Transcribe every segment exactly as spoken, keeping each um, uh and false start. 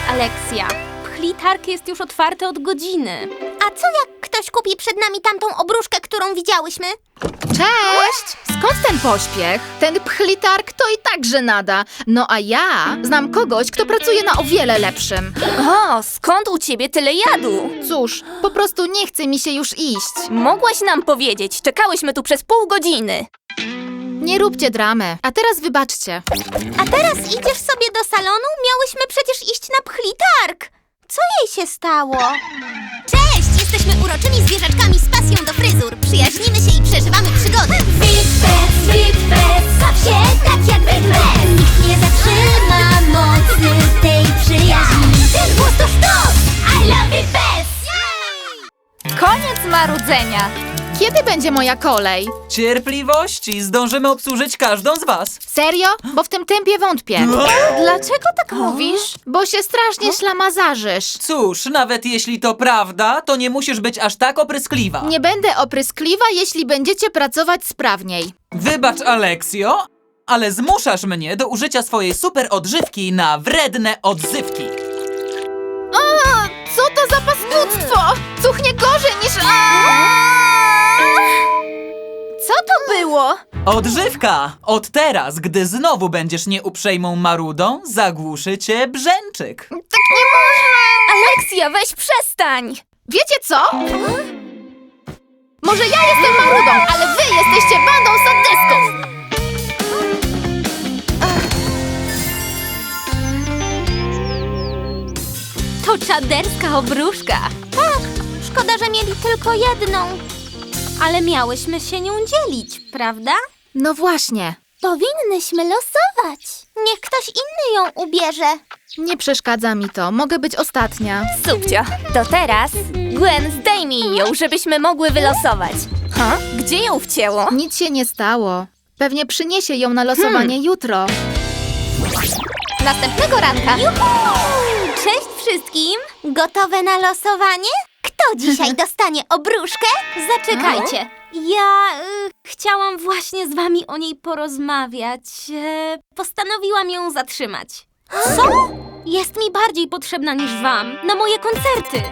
Aleksja. Pchlitarg jest już otwarty od godziny. A co jak ktoś kupi przed nami tamtą obruszkę, którą widziałyśmy? Cześć! Skąd ten pośpiech? Ten pchlitarg to i tak żenada. No a ja znam kogoś, kto pracuje na o wiele lepszym. O, skąd u ciebie tyle jadu? Cóż, po prostu nie chce mi się już iść. Mogłaś nam powiedzieć, czekałyśmy tu przez pół godziny. Nie róbcie dramy. A teraz wybaczcie. A teraz idziesz sobie do salonu? Miałyśmy przecież iść na pchlitarg. Co jej się stało? Cześć! Jesteśmy uroczymi zwierzaczkami z pasją do fryzur. Przyjaźnimy się i przeżywamy przygody. Witbez, Witbez, baw się tak jak Witbez. Nikt nie zatrzyma mocy tej przyjaźni. Ten głos to sztos! I love Witbez! Koniec marudzenia. Kiedy będzie moja kolej? Cierpliwości, zdążymy obsłużyć każdą z was. Serio? Bo w tym tempie wątpię. Dlaczego tak mówisz? Bo się strasznie ślamazarzysz. Cóż, nawet jeśli to prawda, to nie musisz być aż tak opryskliwa. Nie będę opryskliwa, jeśli będziecie pracować sprawniej. Wybacz, Aleksjo, ale zmuszasz mnie do użycia swojej super odżywki na wredne odzywki. O, co to za paskudztwo? Cuchnie gorzej niż... Co to było? Odżywka! Od teraz, gdy znowu będziesz nieuprzejmą marudą, zagłuszy cię brzęczyk. Tak nie można! Aleksja, weź przestań! Wiecie co? Może ja jestem marudą, ale wy jesteście bandą sadystów! To czaderska obruszka. Tak, szkoda, że mieli tylko jedną. Ale miałyśmy się nią dzielić, prawda? No właśnie. Powinnyśmy losować. Niech ktoś inny ją ubierze. Nie przeszkadza mi to. Mogę być ostatnia. Subcio, to teraz Gwen, zdejmij ją, żebyśmy mogły wylosować. Ha? Gdzie ją wcięło? Nic się nie stało. Pewnie przyniesie ją na losowanie jutro. Następnego ranka. Cześć wszystkim! Gotowe na losowanie? Kto dzisiaj dostanie obruszkę? Zaczekajcie. Ja y, chciałam właśnie z wami o niej porozmawiać. E, postanowiłam ją zatrzymać. Co? Jest mi bardziej potrzebna niż wam na moje koncerty.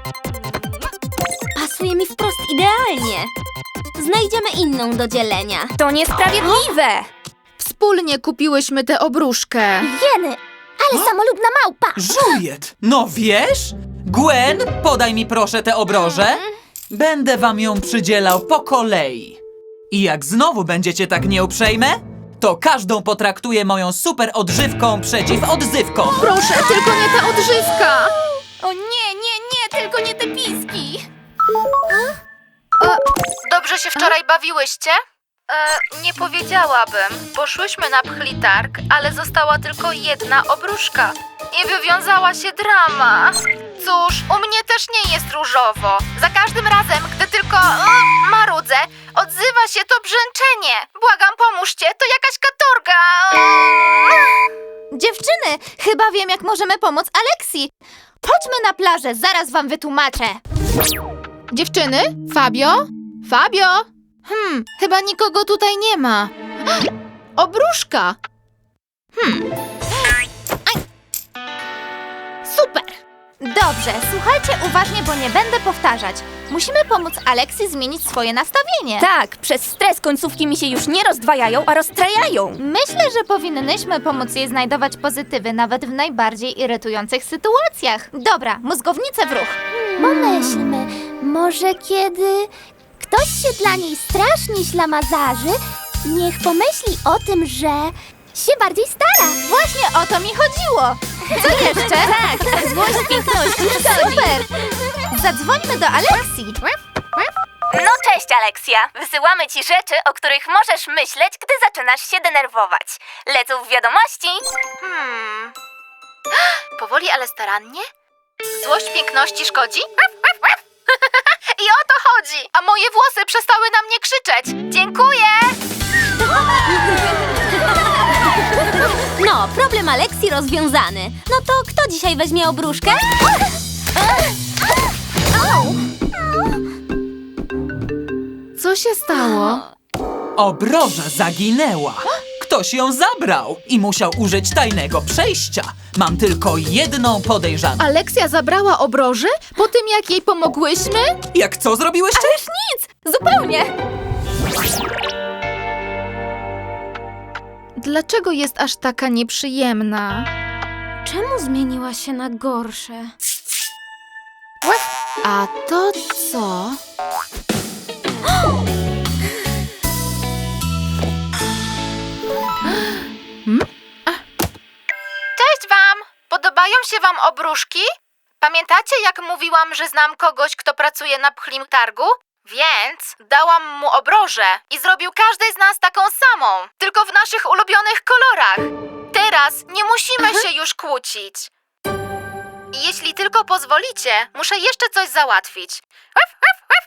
Pasuje mi wprost idealnie. Znajdziemy inną do dzielenia. To niesprawiedliwe. Wspólnie kupiłyśmy tę obruszkę. Jeny, ale samolubna małpa! Żujet! No wiesz? Gwen, podaj mi proszę tę obrożę. Będę wam ją przydzielał po kolei. I jak znowu będziecie tak nieuprzejme, to każdą potraktuję moją super odżywką przeciw odzywkom. Proszę, tylko nie ta odżywka! O nie, nie, nie, tylko nie te piski. Dobrze się wczoraj bawiłyście? E, nie powiedziałabym. Poszłyśmy na pchlitarg, ale została tylko jedna obruszka. I wywiązała się drama. Cóż, u mnie też nie jest różowo. Za każdym razem, gdy tylko e, marudzę, odzywa się to brzęczenie. Błagam, pomóżcie, to jakaś katorga. Dziewczyny, chyba wiem, jak możemy pomóc Aleksji. Chodźmy na plażę, zaraz wam wytłumaczę. Dziewczyny? Fabio? Fabio? Hmm, chyba nikogo tutaj nie ma. Obruszka! Super! Dobrze, słuchajcie uważnie, bo nie będę powtarzać. Musimy pomóc Aleksji zmienić swoje nastawienie. Tak, przez stres końcówki mi się już nie rozdwajają, a rozstrajają. Myślę, że powinnyśmy pomóc jej znajdować pozytywy nawet w najbardziej irytujących sytuacjach. Dobra, mózgownice w ruch. Pomyślmy, może kiedy ktoś się dla niej strasznie ślamazarzy, niech pomyśli o tym, że się bardziej stara. Właśnie o to mi chodziło. Co jeszcze? Tak, złość piękności. Super! Zadzwońmy do Aleksji. No cześć, Aleksja. Wysyłamy ci rzeczy, o których możesz myśleć, gdy zaczynasz się denerwować. Lecą w wiadomości. Hmm. Powoli, ale starannie? Złość piękności szkodzi? I o to chodzi! A moje włosy przestały na mnie krzyczeć. Dziękuję! No, problem Aleksji rozwiązany. No to kto dzisiaj weźmie obruszkę? Co się stało? Obroża zaginęła. Ktoś ją zabrał i musiał użyć tajnego przejścia. Mam tylko jedną podejrzaną. Aleksja zabrała obroże po tym, jak jej pomogłyśmy? Jak co zrobiłyście? Zupełnie! Dlaczego jest aż taka nieprzyjemna? Czemu zmieniła się na gorsze? A to co? Cześć wam! Podobają się wam obruszki? Pamiętacie, jak mówiłam, że znam kogoś, kto pracuje na pchlim targu? Więc dałam mu obrożę i zrobił każdej z nas taką samą, tylko w naszych ulubionych kolorach. Teraz nie musimy się już kłócić. I jeśli tylko pozwolicie, muszę jeszcze coś załatwić. Uf, uf, uf.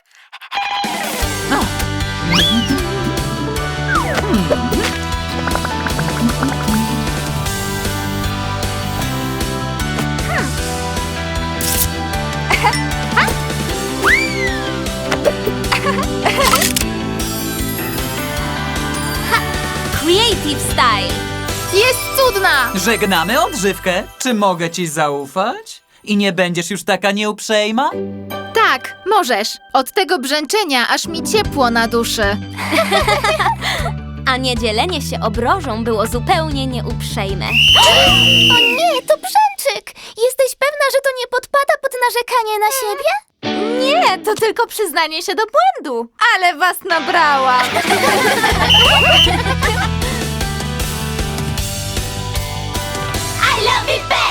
Creative Style. Jest cudna! Żegnamy odżywkę. Czy mogę ci zaufać? I nie będziesz już taka nieuprzejma? Tak, możesz. Od tego brzęczenia aż mi ciepło na duszy. A nie dzielenie się obrożą było zupełnie nieuprzejme. O nie, to brzęczyk! Jesteś pewna, że to nie podpada pod narzekanie na siebie? Nie, to tylko przyznanie się do błędu. Ale was nabrałam. I love it, baby!